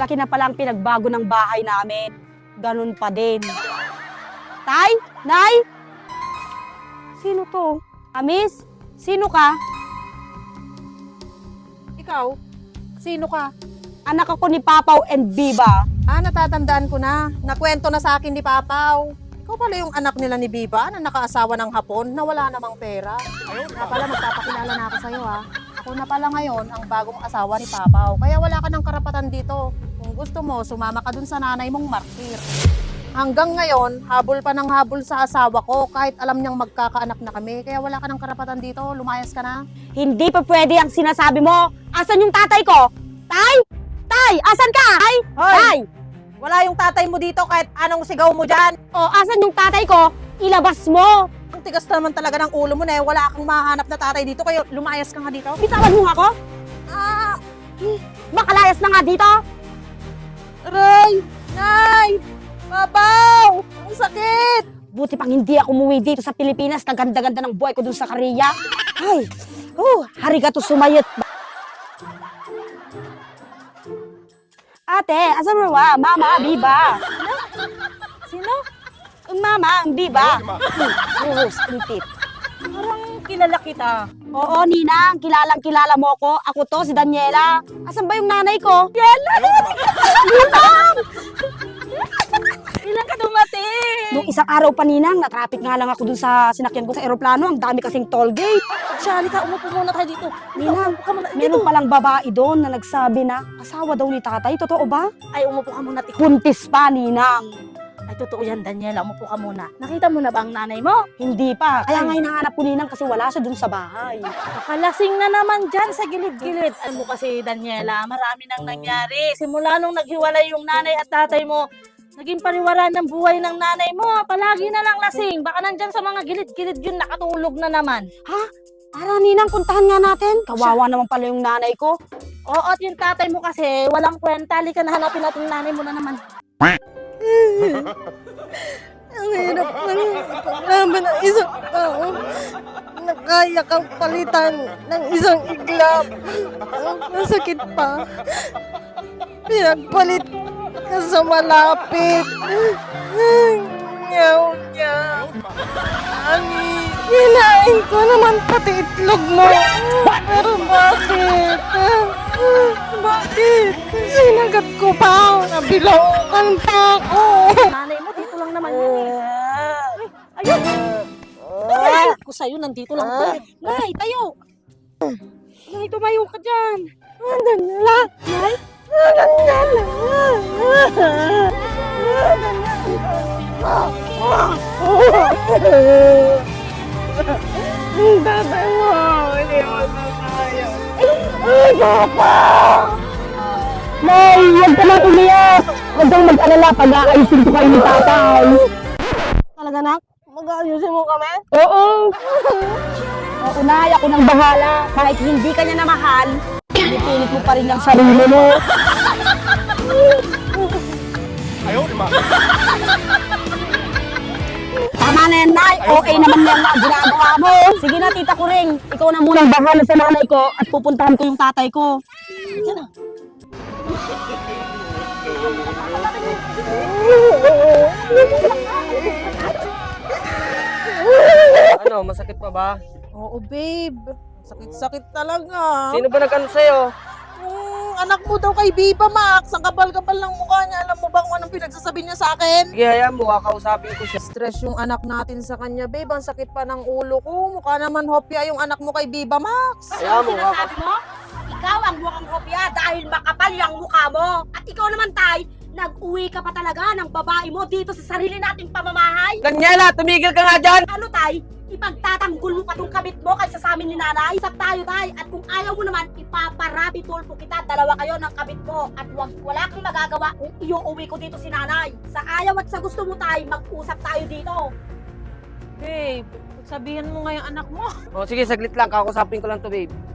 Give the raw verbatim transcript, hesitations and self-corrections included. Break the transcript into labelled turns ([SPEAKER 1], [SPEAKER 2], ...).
[SPEAKER 1] Malaki na pala ang pinagbago ng bahay namin. Ganun pa din. Tay? Nay? Sino to? Amis? Sino ka?
[SPEAKER 2] Ikaw? Sino ka?
[SPEAKER 1] Anak ako ni Papaw and Biba.
[SPEAKER 2] Ah, natatandaan ko na. Nakwento na sa akin ni Papaw. Ikaw pala yung anak nila ni Biba na nakaasawa ng Hapon na wala namang pera. Kaya pala magpapakilala na ako sa'yo ha. Ako na pala ngayon ang bagong asawa ni Papaw. Kaya wala ka ng karapatan dito. Kung gusto mo, sumama ka dun sa nanay mong martir. Hanggang ngayon, habol pa ng habol sa asawa ko kahit alam niyang magkakaanak na kami. Kaya wala ka ng karapatan dito. Lumayas ka na.
[SPEAKER 1] Hindi pa pwede ang sinasabi mo. Asan yung tatay ko? Tay? Tay, asan ka? Tay?
[SPEAKER 2] Hoy!
[SPEAKER 1] Tay!
[SPEAKER 2] Wala yung tatay mo dito kahit anong sigaw mo dyan.
[SPEAKER 1] O, asan yung tatay ko? Ilabas mo!
[SPEAKER 2] Ang tigas naman talaga ng ulo mo na eh. Wala kang mahanap na tatay dito. Kaya lumayas ka nga dito.
[SPEAKER 1] Bitawan mo nga ako?
[SPEAKER 2] Ah!
[SPEAKER 1] Makalayas na nga dito?
[SPEAKER 2] Aray! Nay! Papaw! Ang sakit!
[SPEAKER 1] Buti pang hindi ako umuwi dito sa Pilipinas. Kaganda-ganda ng buhay ko dun sa Korea. Ay! Oh, harigato sumayot. Ate, asan mo ba? Mama, Biba.
[SPEAKER 2] Sino?
[SPEAKER 1] Mama, Biba. Oo, stintit.
[SPEAKER 2] Parang kilala kita.
[SPEAKER 1] Oo, Ninang, kilalang kilala mo ko. Ako to, si Daniela. Asan ba yung nanay ko? Daniela! Ninang!
[SPEAKER 2] Ilan ka dumating?
[SPEAKER 1] Nung isang araw pa, Ninang, na-traffic nga lang ako dun sa sinakyan ko sa aeroplano. Ang dami kasing toll gate.
[SPEAKER 2] Shalika, umupo muna tayo dito.
[SPEAKER 1] Ninang,
[SPEAKER 2] Umupo ka muna.
[SPEAKER 1] meron palang babae doon na nagsabi na asawa daw ni tatay. Totoo ba?
[SPEAKER 2] Ay, umupo ka muna. Tiko.
[SPEAKER 1] Buntis pa, Ninang.
[SPEAKER 2] Ay, totoo yan, Daniela. Umupo ka muna. Nakita mo na ba ang nanay mo?
[SPEAKER 1] Hindi pa. Kaya
[SPEAKER 2] Ay.
[SPEAKER 1] nga hinahanap ko, Ninang, kasi wala siya dun sa bahay.
[SPEAKER 2] Nakalasing na naman dyan sa gilid-gilid. Alam mo kasi, Daniela, marami nang nangyari. Simula nung naghiwalay yung nanay at tatay mo, naging pariwara ng buhay ng nanay mo. Palagi na lang lasing. Baka nandyan sa mga gilid-gilid yun, nakatulog na naman.
[SPEAKER 1] Para, Ninang, puntahan nga natin. Kawawa naman pala yung nanay ko.
[SPEAKER 2] Oo, at yung tatay mo kasi, walang kwenta. Halika na hanapin natin yung nanay mo na naman.
[SPEAKER 3] Ang hirap ng paglaban ng isang tao na kaya kang palitan ng isang iglap. Ang sakit pa. Pinagpalit ka sa malapit. Nyaw niya. Ani, kinain ko naman pati itlog mo. Pero bakit? Bakit? Sinagat ko pa. Nabilaukan pa ako.
[SPEAKER 2] Nanay mo, dito lang naman yun eh. Ayun! Ay, ko sa'yo, nandito lang to. Nay, tayo! Nay, tumayo ka dyan.
[SPEAKER 3] Andan na lang. Andan na lang. Ang tatay mo, hindi mo na tayo. Ay, papa!
[SPEAKER 1] Nay, huwag ka nang umiyak. Huwag kang mag-alala pag-aayusin ko kayo ni tatay.
[SPEAKER 3] Talaga na? Mag-aayusin mo kami?
[SPEAKER 1] Oo. Oo, Nay, ako nang bahala. Kahit hindi ka niya na mahal, pinipilit mo pa rin ang sarili mo. Tama na yan, Nay. Okay naman yan na ginagawa mo. Sige na, Tita Kuring. Ikaw na munang bahala sa nanay ko at pupuntahan ko yung tatay ko.
[SPEAKER 4] Ano, masakit pa ba?
[SPEAKER 2] Oo, babe. Sakit-sakit talaga.
[SPEAKER 4] Sino ba nag-ano sa'yo?
[SPEAKER 2] Yung anak mo daw kay Biba, Max. Ang kapal-kapal ng mukha niya. Alam mo ba kung anong pinagsasabi niya sa akin?
[SPEAKER 4] Sige, hayaan mo, kakausapin ko siya.
[SPEAKER 2] Stress yung anak natin sa kanya, babe. Ang sakit pa ng ulo ko. Mukha naman hopya yung anak mo kay Biba, Max.
[SPEAKER 4] Hayaan mo,
[SPEAKER 1] Sinasabi mo? Ikaw ang mukhang kopya dahil makapal yung mukha mo. At ikaw naman, Tay, nag-uwi ka pa talaga ng babae mo dito sa sarili nating pamamahay.
[SPEAKER 4] Daniela, tumigil ka nga dyan!
[SPEAKER 1] Ano, Tay? Ipagtatanggol mo pa tong kabit mo kaysa sa amin ni Nanay? Isap tayo, Tay. At kung ayaw mo naman, ipaparabi tulpo kita. Dalawa kayo ng kabit mo. At wag, wala kang magagawa kung iuuwi ko dito si Nanay. Sa ayaw at sa gusto mo, Tay, mag-usap tayo dito.
[SPEAKER 2] Babe, sabihan mo nga yung anak mo.
[SPEAKER 4] O sige, saglit lang, kakausapin ko lang to, babe.